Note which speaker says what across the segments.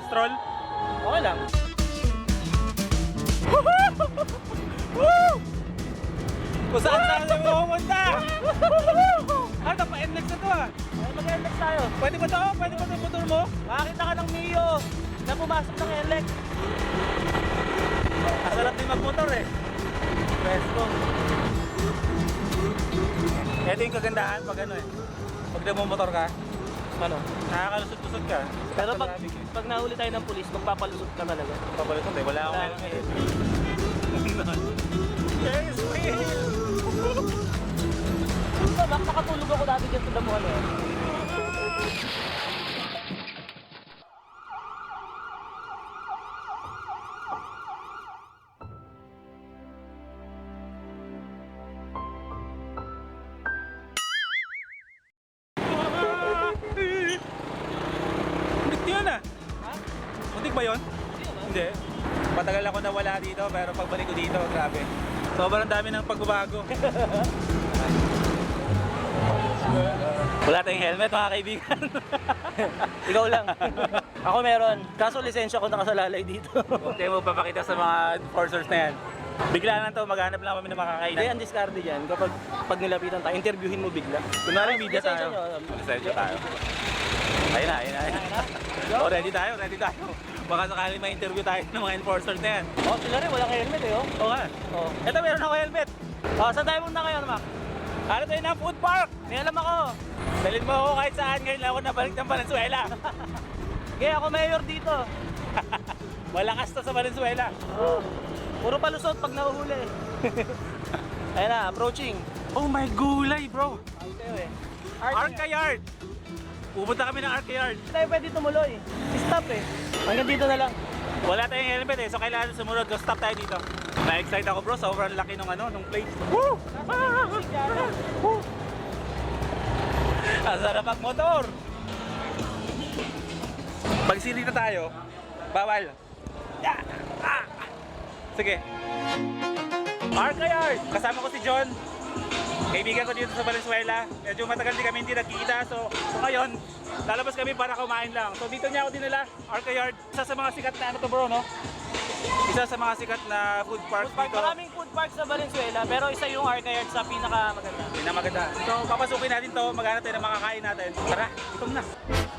Speaker 1: stroll?
Speaker 2: Okay lang.
Speaker 1: Kung saan saan na pumunta! Ano, pa-NLEX na to ah!
Speaker 2: Ay, mag-NLEX tayo.
Speaker 1: Pwede ba to? Pwede ba ito yung motor mo?
Speaker 2: Makakita ka ng Mio na pumasok ng NLEX.
Speaker 1: Masarap din magmotor eh.
Speaker 2: Presto.
Speaker 1: Ito yung kagandahan pag ano eh. Pag nagmumotor ka,
Speaker 2: Ano?
Speaker 1: nakakalusot-lusot ka.
Speaker 2: Pero pag,
Speaker 1: Traffic eh.
Speaker 2: pag nahuli tayo ng pulis, magpapalusot ka talaga.
Speaker 1: Papalusot eh, wala akong
Speaker 2: Wala
Speaker 1: helmet.
Speaker 2: akong
Speaker 1: Yes, Will!
Speaker 2: Ito, nakakatulog ako dati dyan sa damuhan eh.
Speaker 1: Muntik yun ah!
Speaker 2: Ha?
Speaker 1: Muntik ba yun? Hindi. Patagal ako nawala dito pero pagbalik ko dito, grabe. Sobrang dami ng pagbabago. Wala tayong helmet mga kaibigan.
Speaker 2: Ikaw lang. Ako meron. Kaso lisensya ko nakasalalay dito.
Speaker 1: Huwag tayo magpapakita sa mga enforcers na yan. Bigla lang to, maghanap lang kami ng
Speaker 2: Hindi,
Speaker 1: makakainan.
Speaker 2: ang discarte dyan. Kapag nilapitan tayo, interviewin mo bigla.
Speaker 1: Kunwari media
Speaker 2: Lisensya
Speaker 1: tayo.
Speaker 2: nyo.
Speaker 1: Lisensya tayo. Ayun na, ayun na. Ayun na. Oh, ready tayo, ready tayo. Baka sakali may interview tayo ng mga enforcers na yan.
Speaker 2: Oh, sila rin, walang helmet eh, oh.
Speaker 1: Oo nga.
Speaker 2: Oh.
Speaker 1: Ito meron ako helmet.
Speaker 2: Oh, saan tayo muna ngayon, Mac?
Speaker 1: Ano tayo ng food park?
Speaker 2: May alam ako.
Speaker 1: Dalhin mo ako kahit saan, ngayon lang ako nabalik ng Valenzuela.
Speaker 2: Okay, ako mayor dito.
Speaker 1: Malakas to sa Valenzuela.
Speaker 2: Oh. Puro palusot pag nahuhuli. Ayun na, approaching.
Speaker 1: Oh my gulay bro.
Speaker 2: Ayun kayo eh.
Speaker 1: Arca Yard. Pupunta kami ng Arca Yard.
Speaker 2: Hindi tayo pwede tumuloy. Stop eh. Hanggang dito na lang.
Speaker 1: Wala tayong helmet eh, so kailangan sumunod. So stop tayo dito. Na-excite ako bro, sobrang laki nung plate. Woo! Woo! Ang sarap magmotor. Pag silita tayo, bawal. Yeah! Ah! Sige. Arca Yard! Kasama ko si John. Kaibigan ko dito sa Valenzuela. Medyo matagal din kami hindi nagkita. So ngayon, lalabas kami para kumain lang. So dito niya ako dinala, Arca Yard. Isa sa mga sikat na ano to bro, no? Isa sa mga sikat na food park dito.
Speaker 2: Maraming food park sa Valenzuela, pero isa yung Arca Yard sa pinakamaganda.
Speaker 1: Pinamaganda. So papasukin natin to, maghanap tayo ng makakain natin. Tara, gutom na.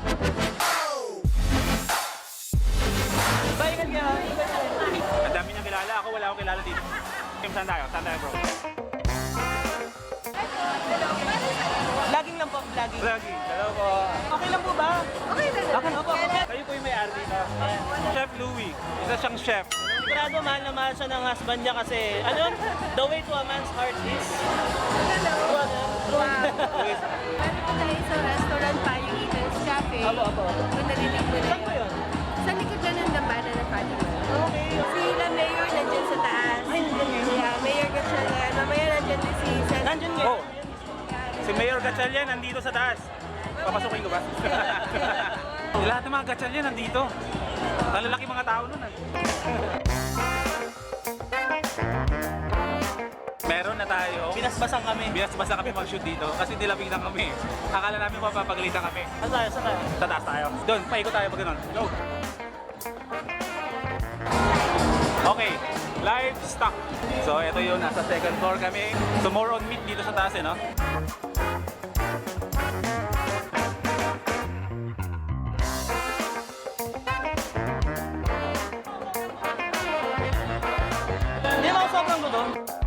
Speaker 2: Baikan ka.
Speaker 1: Ang dami niyang kilala. Ako wala akong kilala dito. Kim, saan tayo? Saan tayo bro?
Speaker 2: Vlogging lang po, vlogging.
Speaker 1: Lagi. Hello po.
Speaker 2: Okay lang po ba?
Speaker 3: Okay na lang.
Speaker 2: Okay na po.
Speaker 1: Kayo po yung may-ari dito. Chef Louie. Isa siyang chef.
Speaker 2: Sigurado mahal na mahal siya ng husband niya kasi, ano yun? The way to a man's heart is...
Speaker 3: Wow. Meron po tayo sa restaurant pa, yung Eden's Cafe.
Speaker 2: Apo, apo.
Speaker 3: Kung narinig mo na
Speaker 2: Saan po
Speaker 3: yun.
Speaker 2: yun?
Speaker 3: Sa likod lang ng dambana ng Fatima.
Speaker 2: Okay.
Speaker 3: Sila Mayor nandyan sa taas. Yeah, Mayor Gatchalian. Mamaya nandyan din si Sen.
Speaker 2: Nandyan ngayon.
Speaker 1: Oh. Si Mayor Gatchalian nandito sa taas. Papasukin ko ba? Lahat ng mga Gatchalian nandito. Ang lalaki mga tao nun. Meron na tayo.
Speaker 2: Binasbasan kami.
Speaker 1: Binasbasa kami mag-shoot dito kasi nilapitan kami. Akala namin mapapagalitan kami.
Speaker 2: Saan tayo? Saan tayo?
Speaker 1: Sa taas tayo. Doon, paikot tayo pag ganun. Go! Okay, livestock. So, ito yun. Nasa second floor kami. So, more on meat dito sa taas eh, no?
Speaker 2: Hindi na ako sobrang gutom.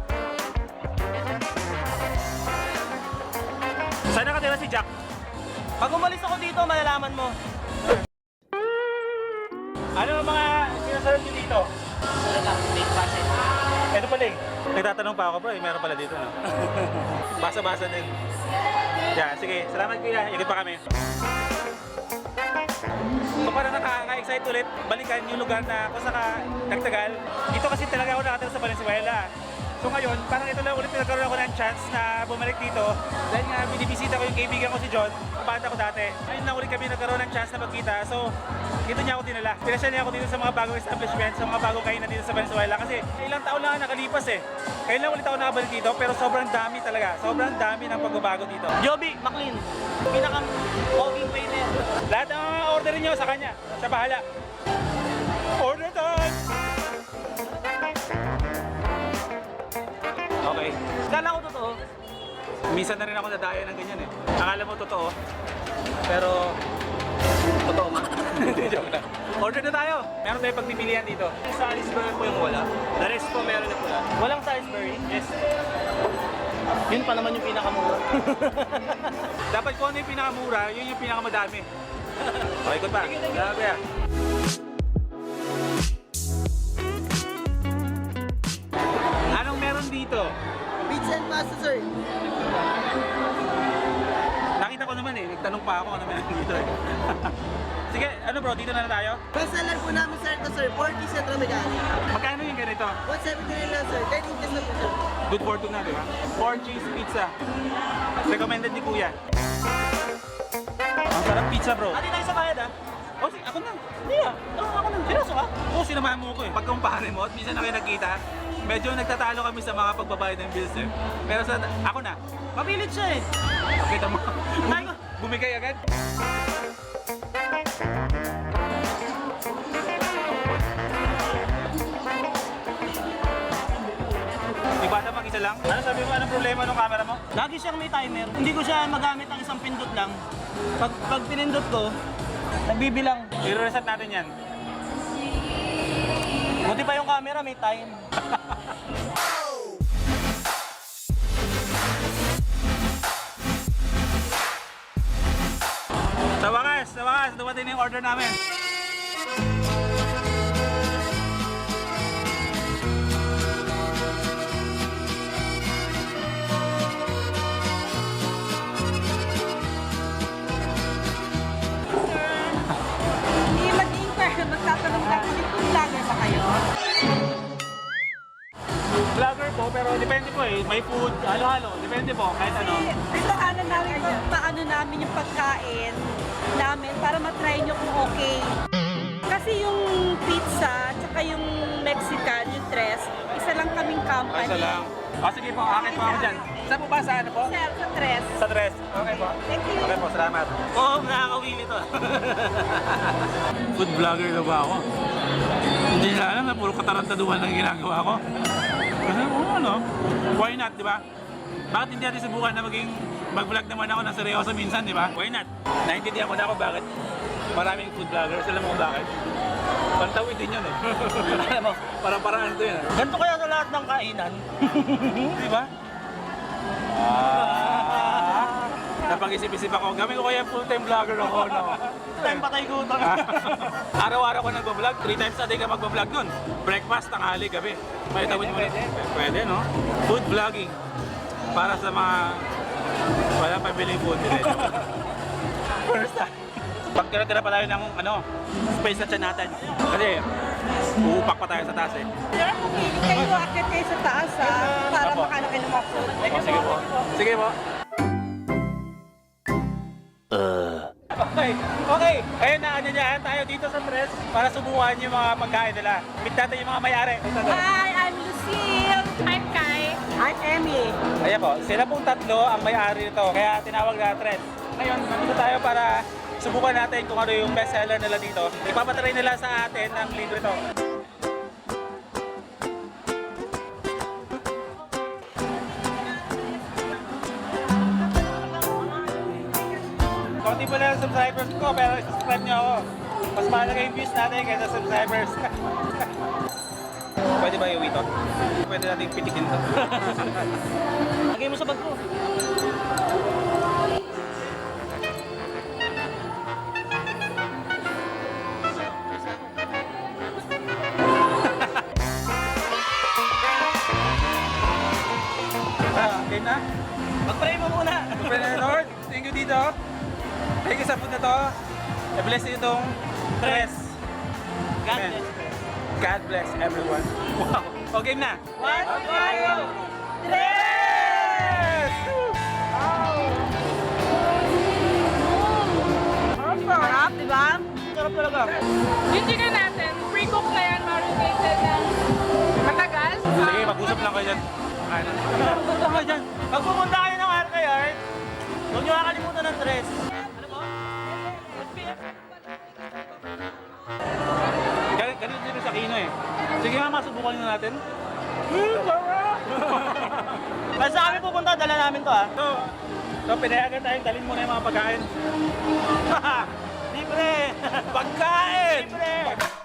Speaker 1: Saan nakatira si Jack?
Speaker 2: Pag umalis ako dito, malalaman mo.
Speaker 1: Ano ang mga sinaserve niyo dito?
Speaker 2: Wala lang, big passes.
Speaker 1: Ito pala eh. Nagtatanong pa ako bro, meron pala dito no? Basa-basa din. Yeah, sige. Salamat kuya. Ikot pa kami. So para nakaka-excite ulit, balikan yung lugar na kung saka nagtagal. Dito kasi talaga ako nakatira sa Valenzuela. So ngayon, parang ito lang ulit nagkaroon ako ng chance na bumalik dito. Dahil nga binibisita ko yung kaibigan ko si John, kabata ko dati. Ngayon lang ulit kami nagkaroon ng chance na magkita. So, dito niya ako dinala. Pinasya niya ako dito sa mga bagong establishment, sa mga bagong kainan dito sa Venezuela. Kasi ilang taon lang nakalipas eh. Ngayon lang ulit ako nakabalik dito, pero sobrang dami talaga. Sobrang dami ng pagbabago dito.
Speaker 2: Joby, McLean, pinaka-oging waiter.
Speaker 1: Lahat ng mga order niyo sa kanya. Siya bahala. Order time! Okay.
Speaker 2: Kala ko totoo.
Speaker 1: Minsan na rin ako nadaya ng ganyan eh. Akala mo totoo. Pero, totoo nga. Joke lang. Order na tayo. Meron tayong pagpipilian dito.
Speaker 2: Yung Salisbury po yung wala. The rest po meron na pula. Walang Salisbury?
Speaker 1: Yes.
Speaker 2: Yun pa naman yung pinakamura.
Speaker 1: Dapat kung ano yung pinakamura, yun yung pinakamadami. Okay, ikot pa. Grabe ah. Anong meron dito?
Speaker 4: Pizza and pasta, sir.
Speaker 1: Nakita ko naman eh. Nagtanong pa ako ano meron dito eh. Sige, ano bro, dito na tayo?
Speaker 4: Bestseller po namin, sir, ito, sir. 40 sa Tramagani.
Speaker 1: Magkano yung ganito?
Speaker 4: 179 lang, sir. 10 inches na po, sir.
Speaker 1: Good for two na, di ba? 4 cheese pizza. Recommended ni Kuya. Ang sarap pizza bro.
Speaker 2: Ati tayo sa bayad ah.
Speaker 1: Oh, ako na.
Speaker 2: Hindi ah. Ako na. Seryoso ka?
Speaker 1: Oo, sinamahan mo ko eh. Pagkumpare mo at minsan na kayo nagkita, medyo nagtatalo kami sa mga pagbabayad ng bills eh. Pero sa ako na,
Speaker 2: Mapilit siya eh.
Speaker 1: kita mo.
Speaker 2: Ay, ko.
Speaker 1: Bumigay agad. Di ba na mag-isa lang? Ano sabi mo? Anong problema ng camera mo?
Speaker 2: Lagi siyang may timer. Hindi ko siya magamit ang isang pindot lang. Pag pinindot ko, nagbibilang.
Speaker 1: I-reset natin yan.
Speaker 2: Buti pa yung camera, may time.
Speaker 1: Sa wakas, dumating na yung order namin.
Speaker 3: Hindi mag-inquire, magtatanong lang ulit kung vlogger ba kayo?
Speaker 1: Vlogger po, pero depende po eh. May food, halo-halo. Depende po, kahit ano.
Speaker 3: Paano namin yung pagkain namin para matry nyo kung okay. Kasi yung pizza, tsaka yung Mexican, yung tres, isa lang kaming company.
Speaker 1: Isa lang. O sige po, akin po ako dyan. Saan po ba? Sa ano po?
Speaker 3: Sir, sa tres.
Speaker 1: Sa dress. Okay po.
Speaker 3: Thank you.
Speaker 1: Okay po, salamat.
Speaker 2: Oo, nakakawili to.
Speaker 1: Food vlogger na ba ako? Hindi na alam na puro katarantaduhan lang ginagawa ko. Kasi ano, why not, di ba? Bakit hindi natin subukan na maging mag-vlog naman ako ng seryoso minsan, di ba? Why not? Naintindihan ko na ako bakit maraming food vloggers. Alam mo kung bakit? Pantawid din yun eh.
Speaker 2: Alam mo,
Speaker 1: Parang-paraan ito yun.
Speaker 2: ganito kaya sa lahat ng kainan.
Speaker 1: Di ba? Napag-isip-isip ako. Gawin ko kaya full-time vlogger ako, no?
Speaker 2: Time patay gutom.
Speaker 1: Araw-araw ko nagbablog. 3 times a day ka magbablog dun. Breakfast, tanghali, gabi. May tawid mo. Pwede, no? Food vlogging. Para sa mga walang pabiling food. First time. Pag tira-tira pa tayo ng space sa tiyan natin. Kasi uupak pa tayo sa taas eh.
Speaker 3: Sir, kung feeling kayo, akit kayo sa taas para
Speaker 1: Apo.
Speaker 3: makano kayo ng mga food.
Speaker 1: O, sige po. Sige po. Okay. Kaya naanyayahan tayo dito sa press para subukan yung mga pagkain nila. Meet natin yung mga may-ari.
Speaker 3: Hi, I'm Lucille. I'm Kai. I'm Emmy.
Speaker 1: Ayan po, sila pong tatlo ang may-ari nito. Kaya tinawag na Tres. Ngayon, nandito tayo para subukan natin kung ano yung best seller nila dito. Ipapatry nila sa atin ng libre to. Konti pa lang ang subscribers ko, pero subscribe nyo ako. Mas mahalaga yung views natin kaysa subscribers. Pwede ba yung ito? Pwede natin pitikin to.
Speaker 2: Lagay mo sa bag ko.
Speaker 1: Game na?
Speaker 2: Mag-pray mo muna.
Speaker 1: Pwede na, Lord. Thank you dito. Thank you sa food na to. I-bless nyo itong Tres.
Speaker 2: God
Speaker 1: Amen.
Speaker 2: bless.
Speaker 1: God bless everyone. Wow. O, game na.
Speaker 2: 1, 2, 3!
Speaker 3: Sarap, di ba?
Speaker 2: Sarap talaga.
Speaker 5: Yung chicken natin, pre-cook na yan, marinated na matagal.
Speaker 1: Sige, mag-usap lang kayo dyan. Ano?
Speaker 2: Punta ka dyan. Pag pumunta kayo ng Arcayard, huwag nyo kakalimutan ng dress. Ano po?
Speaker 1: Ganito dito sa Kino eh. Sige nga, masubukan nyo natin.
Speaker 2: Basta kami pupunta, dala namin to ha.
Speaker 1: So pinayagan tayong dalhin mo na yung mga pagkain.
Speaker 2: Libre!
Speaker 1: Pagkain!
Speaker 2: Libre!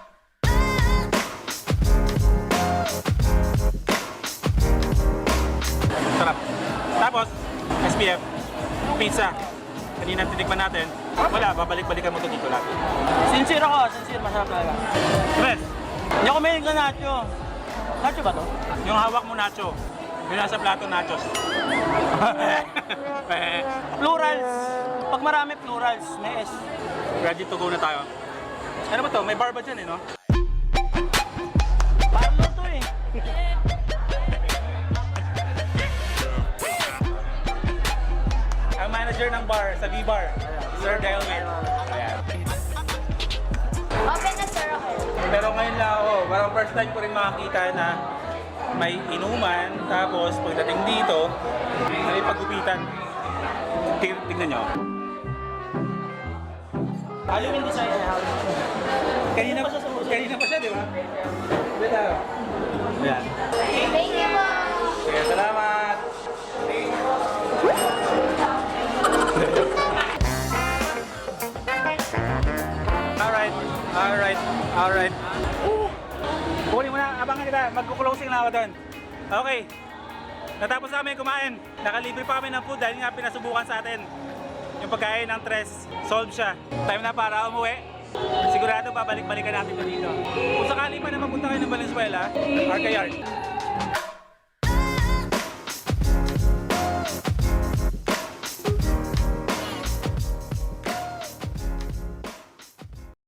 Speaker 1: Sarap. Tapos, SPF, pizza. Kanina tinikman natin. Wala, babalik-balikan mo to dito lahat.
Speaker 2: Sincere ako, sincere, masarap talaga.
Speaker 1: Tres,
Speaker 2: Hindi ako mahilig na nacho. Nacho ba to?
Speaker 1: yung hawak mo nacho. Yung nasa plato nachos.
Speaker 2: Plurals. Pag marami plurals, may S.
Speaker 1: Ready to go na tayo. Ano ba to? May bar ba dyan eh, no?
Speaker 2: Parlor to eh.
Speaker 1: Ang manager ng bar sa B-Bar, Sir Delwin. Ayan.
Speaker 5: Open na sir ako.
Speaker 1: Pero ngayon lang ako, parang first time ko rin makakita na may inuman, tapos pagdating dito, may pagupitan. Tingnan nyo.
Speaker 2: Halloween design eh, Halloween.
Speaker 1: Kanina pa siya, di ba? Wala. Ayan.
Speaker 5: Thank you po.
Speaker 1: Sige, salamat. Alright. Huli mo na, abangan kita. Magkukulosing na ako doon. Okay. Natapos namin kumain. Nakalibre pa kami ng food dahil nga pinasubukan sa atin. Yung pagkain ng tres, solve siya. Time na para umuwi. Sigurado babalik-balikan natin ito dito. Kung sakali pa na mapunta kayo ng Valenzuela, Arcayard,